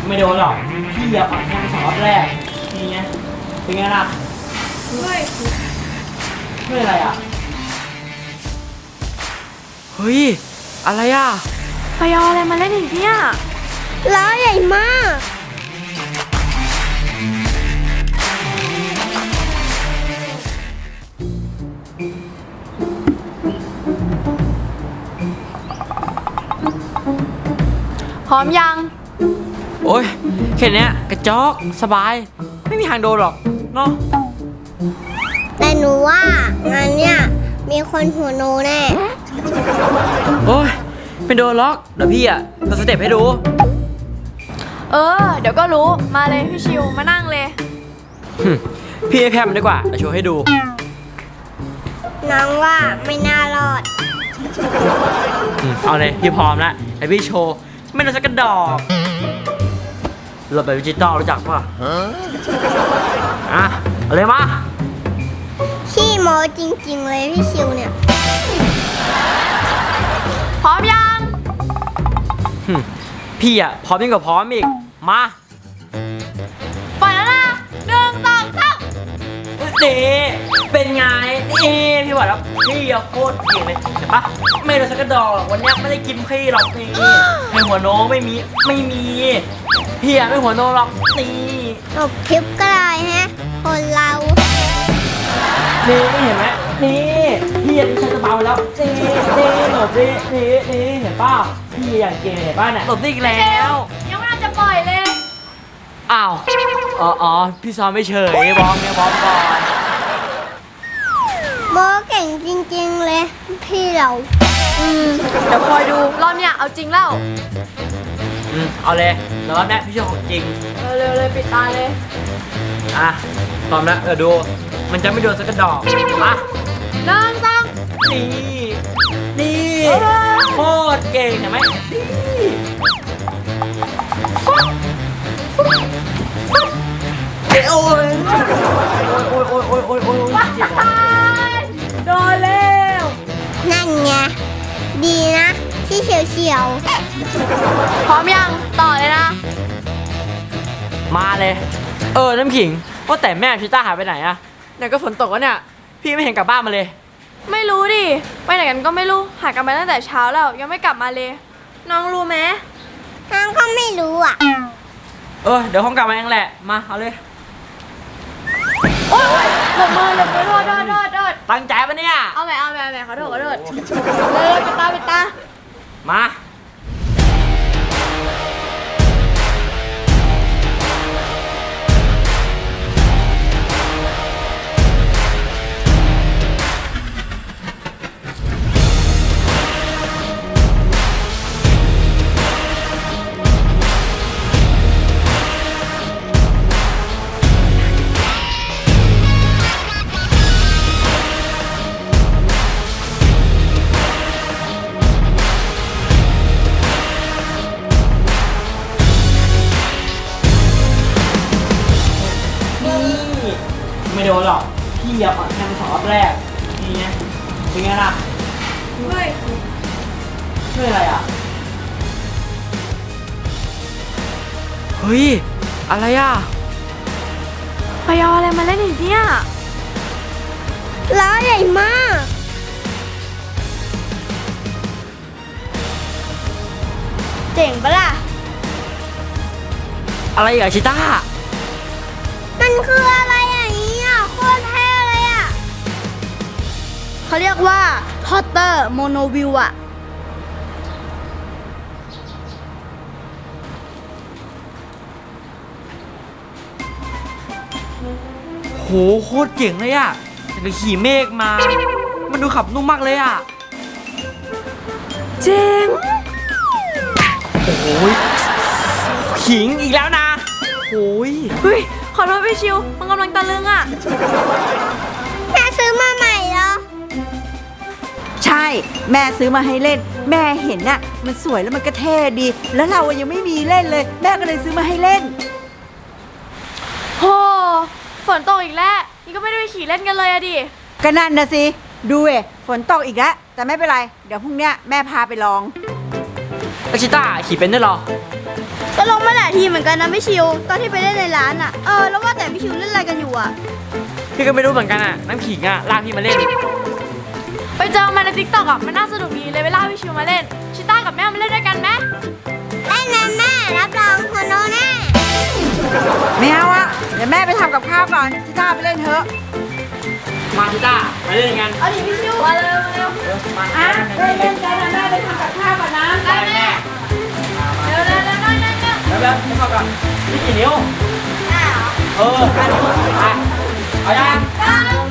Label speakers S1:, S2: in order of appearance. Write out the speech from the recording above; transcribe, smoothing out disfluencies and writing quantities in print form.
S1: ไม่โดนหรอกพี่อย่าอ่อนแค่สองรอบแรกนี่ไงเป็นไงล่ะไม่อะไรอ่ะเฮ้ยอะไรอ่ะ
S2: ไปเอาอะไรมาเล่นอีกเนี่ยล้อใหญ่มากพร้อมยัง
S1: โอ้ยแค่นี้กระจอกสบายไม่มีทางโดนหรอกเนาะ
S2: แต่หนูว่างานเนี้ยมีคนหัวโนแน่
S1: โอ้ยไม่โดนล็อกเดี๋ยวพี่อะเราสเต็ปให้ดู
S2: เดี๋ยวก็รู้มาเลยพี่ชิวมานั่งเลย
S1: พี่ให้แพมดีกว่าเดี๋ยวโชว์ให้ดู
S2: น้องว่าไม่น่ารอด
S1: เอาเลยพี่พร้อมแล้วไอพี่โชว์ไม่โดนสักกระดอกหลบแบบดิจิตอลรู้จักป่ะอ่ะเอาเลยมา
S2: ขี้โมจริงๆเลยพี่ชิวเนี่ยพร้อมยัง
S1: พี่อะพร้อมยิ่งกว่าพร้อมอีกมา
S2: ปล่อยแล้วนะ1 2 3
S1: นี่เป็นไงนี่พี่บอกแล้วพี่อะโคตรเก่งเลยเห็นปะไม่โดนสักกระดอกหรอกวันนี้ไม่ได้กินพี่หรอกนี่ให้หัวโน้ไม่มีพี่อะไม่หัวโน้หรอกนี่
S2: จบคลิปก็ได้ฮะคนเรา
S1: นี่เห็นไหมนี่พี่อะดิฉันจะเบาแล้วนี่หลบนี่เห็นป่ะพี่อย่างเก่งเห็นป่ะเนี่ยหลบได้อีกแล้ว
S2: ยังไม่น่าจะปล่อยเลย
S1: อ้าวอ๋อพี่ซ้อมไม่เฉยบอมก่อน
S2: โมเก่งจริงๆเลยพี่เราเดี๋ยวคอยดูรอบเนี้ยเอาจริงแล้ว
S1: เอาเลยแล้วรอบนี้พี่ชอบของจริง
S2: เร็วเลยปิดตาเลย
S1: อ่ะพร้อมแล้วดูมันจะไม่โดนสักกระดอกมา
S2: 1 2
S1: นี่โคตรเก่งเห็นไหมโอ้ยเจ็บ
S2: โดนเร็วนั่นไงดีนะที่เฉียวพร้อมยังต่อเลยนะ
S1: มาเลยน้ำขิงว่าแต่แม่ชิต้าหายไปไหนอะเนี่ยก็ฝนตกแล้วเนี่ยพี่ไม่เห็นกลับบ้านมาเลย
S2: ไม่รู้ดิไปไหนกันก็ไม่รู้หายกันมาตั้งแต่เช้าแล้วยังไม่กลับมาเลยน้องรู้ไหมน้องก็ไม่รู้อ่ะ
S1: เดี๋ยวห้องกลับมาเองแหละมาเอาเลย
S2: โอ้ยหลบมือโทษ
S1: ตั้งใจปะเนี่ย
S2: เอาใหม่ขอโทษเลยปิดตา
S1: มาไม่โดนหรอกพี่อย่าอ่อนแค่สองรอบแรกนี่ไงเป็นไงล่ะไม่อะไรอ่ะเฮ้ยอะไรอ่ะ
S2: ไปเอาอะไรมาเล่นอีกเนี่ยล้อใหญ่มากเจ๋งปะล่ะ
S1: อะไรอ่ะชิต้า
S2: มันคืออะไรอย่างนี้อ่ะโคตรเท่เลยอ่ะเขาเรียกว่าฮอตเตอร์โมโนวิวอ่ะ
S1: โหโคตรเจ๋งเลยอ่ะแต่ขี่เมฆมามันดูขับนุ่มมากเลยอ่ะ
S2: เจ๋ง
S1: โอ้โหขิงอีกแล้วนะโอ้ย
S2: ขอโทษพี่ชิวมันกำลังตะลึงอ่ะแม่ซื้อมาใหม่เหรอ
S3: ใช่แม่ซื้อมาให้เล่นแม่เห็นน่ะมันสวยแล้วมันก็เท่ดีแล้วเรายังไม่มีเล่นเลยแม่ก็เลยซื้อมาให้เล่น
S2: โหฝนตกอีกแล้วนี่ก็ไม่ได้ไปขี่เล่นกันเลยอะดิ
S3: ก็นั่นนะสิดูฝนตกอีกแล้วแต่ไม่เป็นไรเดี๋ยวพรุ่งนี้แม่พาไปลอง
S1: แล้วชิต้าขี่เป็นด้วยเหรอ
S2: ก็ลงมาหลายทีเหมือนกันนะพี่ชิว ตอนที่ไปเล่นในร้านอ่ะ แล้วว่าแต่พี่ชิวเล่นอะไรกันอยู่อ่ะ
S1: พี่ก็ไม่รู้เหมือนกันอ่ะน้ำขิงอ่ะลากพี่มาเล่น
S4: ไปเจอมาในทิกตอกอ่ะมันน่าสนุกดีเลยเวลาพี่ชิวมาเล่น ชิต้ากับแม่มาเล่นด้วยกันไหม
S2: เล่นนะแม่รับรองหัวโนแน่
S3: ไม่เอาอะเดี๋ยวแม่ไปทำกับข้าวก่อนชิต้าไปเล่นเถอะ
S1: มาชิต้ามาเล่นกัน
S4: เอาดิพี่ชิวมาเร็วมาเร็ว
S1: มา
S3: อ่ะเล่นกันนะแม่ไปทำกับข้าวก่อนนะ
S1: ได้แม่
S4: เร็วเร็วเร็วเร็วเร็วเร็ว
S1: แล้วไม่เข้ากันนี่กี่นิ้ว
S2: ได้เหรอ
S1: ไปเอายัง